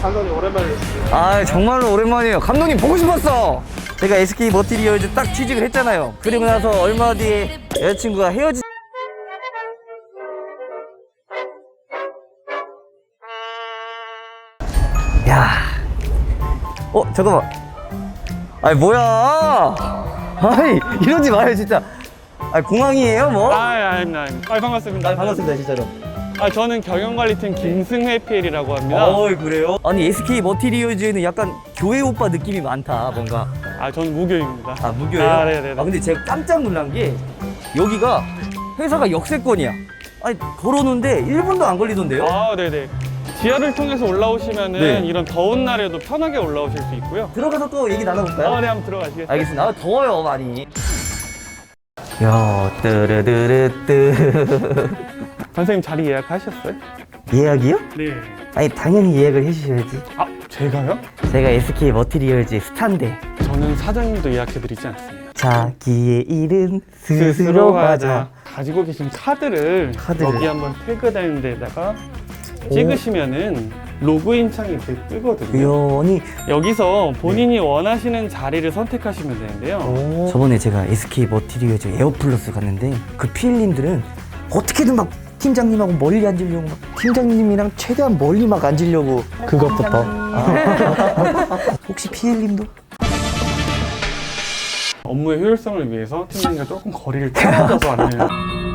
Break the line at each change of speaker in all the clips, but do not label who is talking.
감독님 오랜만에 뵙습니다.
아 정말로 오랜만이에요. 감독님 보고 싶었어. 제가 SK 머티리얼즈 딱 취직을 했잖아요. 그리고 나서 얼마 뒤에 여자친구가 헤어지. 야, 잠깐만. 아니 뭐야? 아니 이러지 마요 진짜. 아 공항이에요 뭐?
아닙니다. 반갑습니다.
반갑습니다 진짜로.
저는 경영관리팀 김승회 PL이라고 합니다.
그래요? 아니 SK 머티리얼즈에는 약간 교회 오빠 느낌이 많다 뭔가.
저는 무교입니다.
아 무교예요?
네네네.
근데 제가 깜짝 놀란 게 여기가 회사가 역세권이야. 아니 걸어오는데 1분도 안 걸리던데요?
네네. 지하를 통해서 올라오시면은
네.
이런 더운 날에도 편하게 올라오실 수 있고요.
들어가서 또 얘기 나눠볼까요?
네, 한번 들어가시겠어요?
알겠습니다. 더워요 많이. 야 뜨르르르뜨.
선생님 자리 예약하셨어요?
예약이요?
네.
아니 당연히 예약을 해주셔야지.
제가요?
제가 SK 머티리얼즈 스타인데.
저는 사장님도 예약해드리지 않습니다.
자기의 일은 스스로 하자.
가지고 계신 카드를 여기 한번 태그된 데다가 찍으시면은 로그인 창이 이렇게 뜨거든요.
우연히.
여기서 본인이 원하시는 자리를 선택하시면 되는데요.
저번에 제가 SK 머티리얼즈 에어플러스 갔는데 그 PL님들은 어떻게든 막 팀장님하고 멀리 앉으려고 막 팀장님이랑 최대한 멀리 막 앉으려고.
그것부터.
혹시 PL님도?
업무의 효율성을 위해서 팀장님과 조금 거리를 떨어져서 앉는.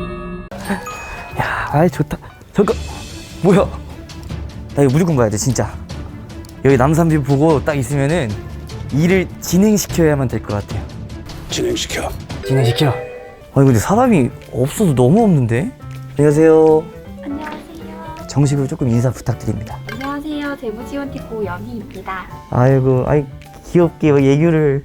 야, 아이 좋다. 잠깐, 뭐야? 나 이거 무조건 가야 돼 진짜. 여기 남산뷰 보고 딱 있으면은 일을 진행시켜야만 될 것 같아요. 진행시켜. 아니 근데 사람이 없어도 너무 없는데? 안녕하세요.
안녕하세요.
정식으로 조금 인사 부탁드립니다.
안녕하세요. 재무지원팀 고영희입니다.
아이고, 아이 귀엽게 예규를.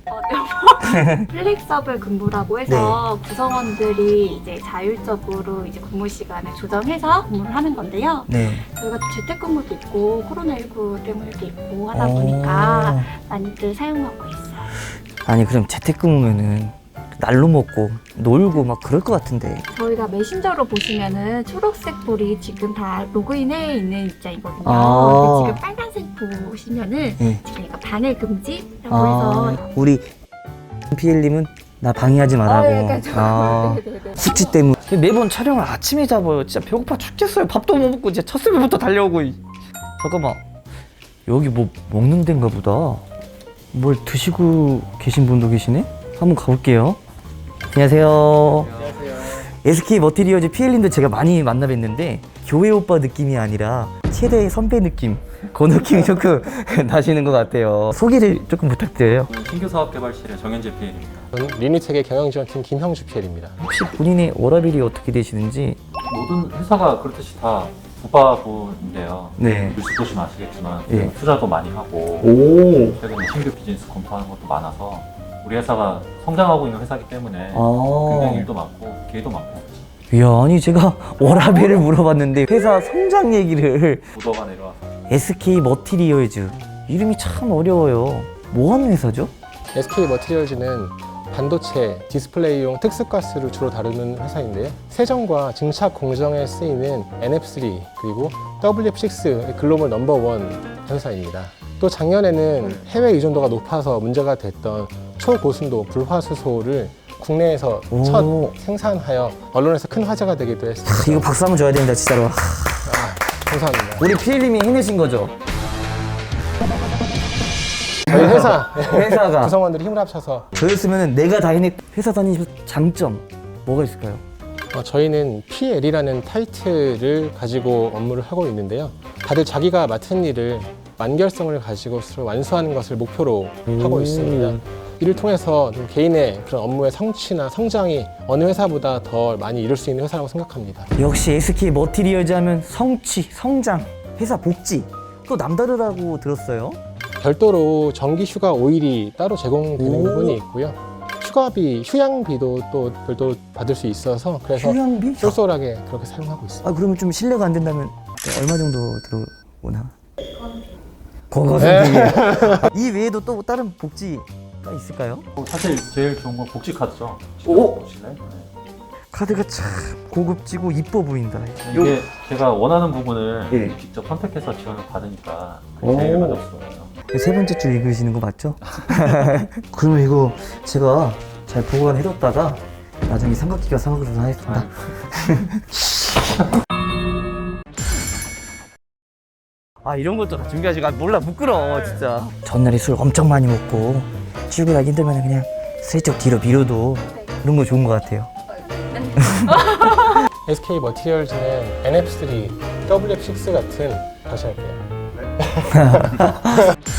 플렉서블 근무라고 해서 구성원들이 이제 자율적으로 이제 근무 시간을 조정해서 근무를 하는 건데요.
네.
저희가 또 재택근무도 있고 코로나19 때문에도 있고 하다 보니까 많이들 사용하고 있어요.
아니 그럼 재택근무면은 날로 먹고 놀고 막 그럴 것 같은데.
저희가 메신저로 보시면은 초록색 볼이 지금 다 로그인해 있는 입장이거든요.
아.
근데 지금 빨간색 보시면은
네.
지금 이거 반일 금지라고 해서
우리 PL님은 나 방해하지 말라고.
약간 좀 네네네.
숙취 때문에 매번 촬영을 아침에 잡아요. 진짜 배고파 죽겠어요. 밥도 못 먹고 진짜 첫 새벽부터 달려오고. 잠깐만, 여기 뭐 먹는 데인가 보다. 뭘 드시고 계신 분도 계시네? 한번 가볼게요. 안녕하세요. SK 머티리얼즈 PL님도 제가 많이 만나 뵀는데 교회 오빠 느낌이 아니라 최대 선배 느낌, 그 느낌이 조금 나시는 것 같아요. 소개를 조금 부탁드려요.
신규 사업개발실의 정현재 PL입니다.
저는 리니텍의 경영지원팀 김형주 PL입니다.
혹시 본인의 워라밸이 어떻게 되시는지?
모든 회사가 그렇듯이 다 부파부인데요.
네.
뉴스 보시면 아시겠지만
예.
투자도 많이 하고
오.
최근에 신규 비즈니스 검토하는 것도 많아서 우리 회사가 성장하고 있는 회사이기 때문에
아.
굉장히 일도 많고 기회도 많고
이야, 아니 제가 워라밸을 물어봤는데 회사 성장 얘기를.
부도가 내려와서
SK 머티리얼즈 이름이 참 어려워요. 뭐 하는 회사죠?
SK 머티리얼즈는 반도체, 디스플레이용 특수가스를 주로 다루는 회사인데요. 세정과 증착 공정에 쓰이는 NF3 그리고 WF6 글로벌 넘버원 회사입니다. 또 작년에는 해외 의존도가 높아서 문제가 됐던 초고순도 불화수소를 국내에서
오.
첫 생산하여 언론에서 큰 화제가 되기도 했습니다.
이거 박수 한번 줘야 됩니다 진짜로.
감사합니다.
우리 PL님이 해내신 거죠?
저희 회사
회사가.
구성원들이 힘을 합쳐서
저였으면 내가 다 해냈. 회사 다니면서 장점 뭐가 있을까요?
저희는 PL이라는 타이틀을 가지고 업무를 하고 있는데요. 다들 자기가 맡은 일을 완결성을 가지고 스스로 완수하는 것을 목표로 하고 있습니다. 이를 통해서 좀 개인의 그런 업무의 성취나 성장이 어느 회사보다 더 많이 이룰 수 있는 회사라고 생각합니다.
역시 SK 머티리얼즈 하면 성취, 성장, 회사 복지 또 남다르다고 들었어요.
별도로 정기 휴가 5일이 따로 제공되는
오.
부분이 있고요. 휴가비, 휴양비도 또 별도로 받을 수 있어서 그래서
휴양비?
쏠쏠하게 그렇게 사용하고 있습니다.
아 그러면 좀 실례가 안 된다면 얼마 정도 들어오나? 고거선택이에요. 이 외에도 또 다른 복지가 있을까요?
사실 제일 좋은 건 복지 카드죠.
오!
보실래요? 네.
카드가 참 고급지고 이뻐 보인다.
이게 제가 원하는 부분을
예.
직접 선택해서 지원을 받으니까
오.
제일 만족스러워요.
세 번째 줄 읽으시는 거 맞죠? 그러면 이거 제가 잘 보관해뒀다가 나중에 삼각기가 사먹으러 하겠습니다. 아 이런 것도 다 준비하시고 몰라 부끄러워 진짜. 전날에 술 엄청 많이 먹고 출근하기 힘들면 그냥 슬쩍 뒤로 미뤄도 그런 거 좋은 것 같아요.
SK 머티리얼즈는 NF3, WF6 같은 다시 할게요.